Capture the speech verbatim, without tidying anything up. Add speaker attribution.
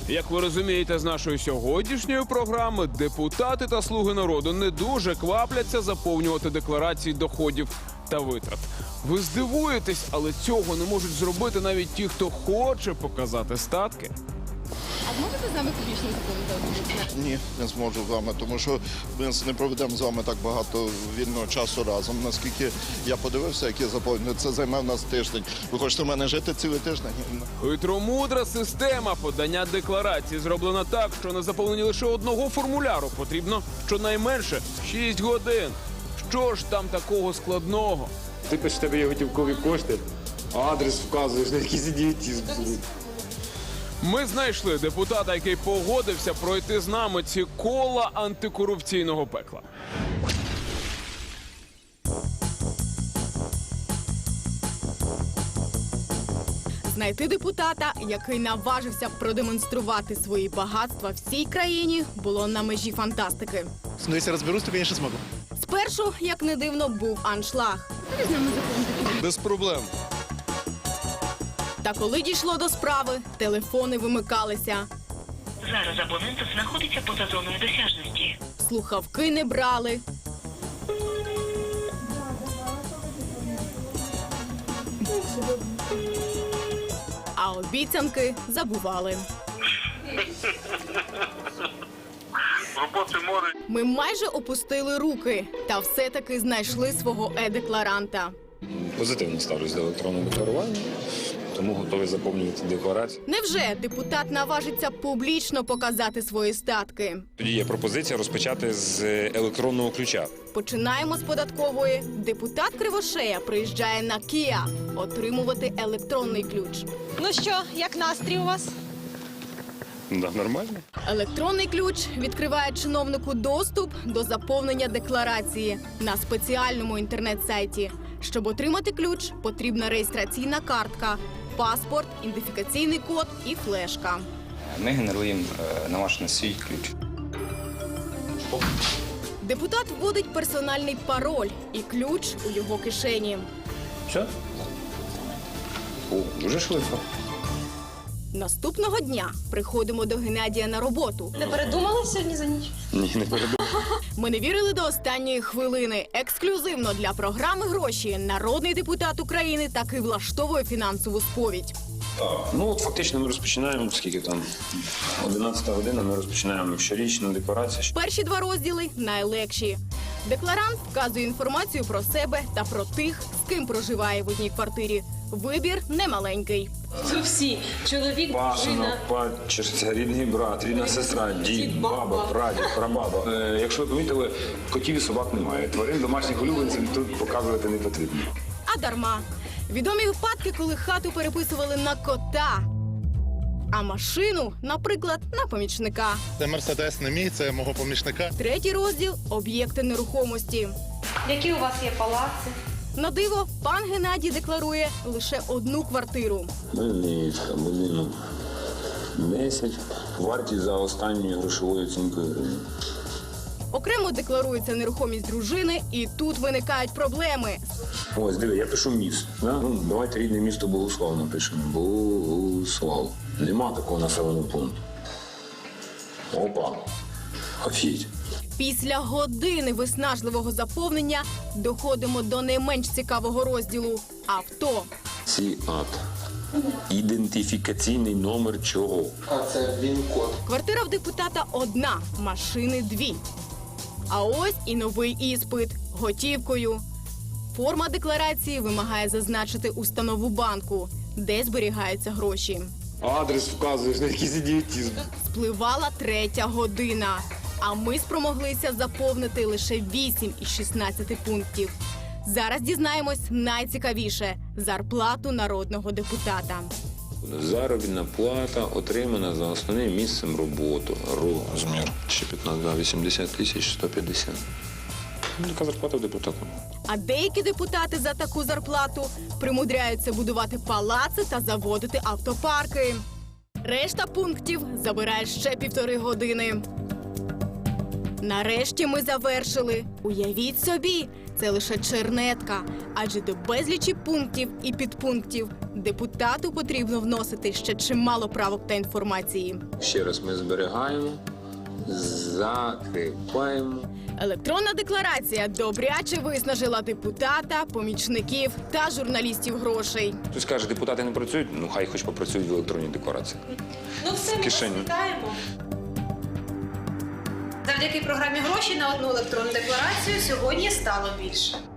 Speaker 1: Як ви розумієте з нашої сьогоднішньої програми, депутати та слуги народу не дуже квапляться заповнювати декларації доходів та витрат. Ви здивуєтесь, але цього не можуть зробити навіть ті, хто хоче показати статки.
Speaker 2: А зможете з нами публічно заповнити?
Speaker 3: Ні, не зможу з вами, тому що ми не проведемо з вами так багато вільного часу разом. Наскільки я подивився, як я заповнюю, це займе в нас тиждень. Ви хочете в мене жити цілий тиждень?
Speaker 1: Хитромудра система подання декларації зроблена так, що на заповненні лише одного формуляру потрібно щонайменше шість годин. Що ж там такого складного?
Speaker 4: Ти пишеш, в тебе є готівкові кошти, а адрес вказуєш на якийсь ідіотизм.
Speaker 1: Ми знайшли депутата, який погодився пройти з нами ці кола антикорупційного пекла.
Speaker 2: Знайти депутата, який наважився продемонструвати свої багатства всій країні, було на межі фантастики.
Speaker 5: Ну, если разберусь, то, конечно, смогу.
Speaker 2: Спершу, як не дивно, був аншлаг.
Speaker 3: Без проблем.
Speaker 2: Та коли дійшло до справи, телефони вимикалися,
Speaker 6: Зараз абонент знаходиться поза зоною досяжності.
Speaker 2: слухавки не брали. А обіцянки забували.
Speaker 7: Роботи море.
Speaker 2: Ми майже опустили руки, та все-таки знайшли свого е-декларанта.
Speaker 4: Позитивно ставлюсь до електронного декларування, тому готовий заповнювати декларацію.
Speaker 2: Невже депутат наважиться публічно показати свої статки?
Speaker 4: Тоді є пропозиція розпочати з електронного ключа.
Speaker 2: Починаємо з податкової. Депутат Кривошея приїжджає на Кія отримувати електронний ключ.
Speaker 8: Ну що, як настрій у вас?
Speaker 4: Да, нормально.
Speaker 2: Електронний ключ відкриває чиновнику доступ до заповнення декларації на спеціальному інтернет-сайті. Щоб отримати ключ, потрібна реєстраційна картка, паспорт, ідентифікаційний код і флешка.
Speaker 9: Ми генеруємо е, на ваш на свій ключ.
Speaker 2: Депутат вводить персональний пароль і ключ у його кишені.
Speaker 4: Все? О, дуже швидко.
Speaker 2: Наступного дня приходимо до Геннадія на роботу.
Speaker 8: Не передумали сьогодні за ніч?
Speaker 4: Ні, не передумав.
Speaker 2: Ми не вірили до останньої хвилини. Ексклюзивно для програми «Гроші» народний депутат України таки влаштовує фінансову сповідь.
Speaker 4: Ну от фактично ми розпочинаємо, скільки там, одинадцята година, ми розпочинаємо щорічну декларацію.
Speaker 2: Перші два розділи найлегші. Декларант вказує інформацію про себе та про тих, з ким проживає в одній квартирі. Вибір немаленький.
Speaker 8: Ви всі. Чоловік,
Speaker 4: Пасинок, падчерця, рідний брат, рідна сестра, дід, баба, прадід, прабаба. Е, якщо ви помітили, котів і собак немає. Тварин домашніх улюбленців тут показувати не потрібно.
Speaker 2: А дарма. Відомі випадки, коли хату переписували на кота, а машину, наприклад, на помічника.
Speaker 5: Це Мерседес не мій, це мого помічника.
Speaker 2: Третій розділ – об'єкти нерухомості.
Speaker 8: які у вас є палаци?
Speaker 2: На диво, пан Геннадій декларує лише одну квартиру.
Speaker 4: Хмельницька, будинок десять, вартість за останньою грошовою оцінкою гривень.
Speaker 2: Окремо декларується нерухомість дружини, і тут виникають проблеми.
Speaker 4: Ось, диви, я пишу міст. Да? Ну, давайте рідне місто Богуслав напишемо. Богуслав. Нема такого населеного пункту. Опа. Офігеть.
Speaker 2: Після години виснажливого заповнення доходимо до не менш цікавого розділу – авто.
Speaker 4: Сіат. Ідентифікаційний номер чого?
Speaker 2: Квартира в депутата одна, машини дві. А ось і новий іспит – готівкою. Форма декларації вимагає зазначити установу банку, де зберігаються гроші.
Speaker 4: Адрес вказуєш на якийсь ідіотизм.
Speaker 2: Спливала третя година, а ми спромоглися заповнити лише вісім із шістнадцяти пунктів. Зараз дізнаємось найцікавіше – зарплату народного депутата.
Speaker 4: Заробітна плата отримана за основним місцем роботи. Розмір ще п'ятнадцять, да, вісімдесят тисяч сто п'ятдесят. Така зарплата в депутата.
Speaker 2: А деякі депутати за таку зарплату примудряються будувати палаци та заводити автопарки. Решта пунктів забирає ще півтори години. Нарешті ми завершили. Уявіть собі, це лише чернетка, адже до безлічі пунктів і підпунктів депутату потрібно вносити ще чимало правок та інформації.
Speaker 4: Ще раз ми зберігаємо, закріпаємо.
Speaker 2: Електронна декларація добряче виснажила депутата, помічників та журналістів грошей.
Speaker 4: Хтось каже, депутати не працюють, ну хай хоч попрацюють в електронній декларації.
Speaker 8: Ну все, ми вас
Speaker 4: кишені.
Speaker 8: вітаємо. Завдяки програмі гроші на одну електронну декларацію сьогодні стало більше.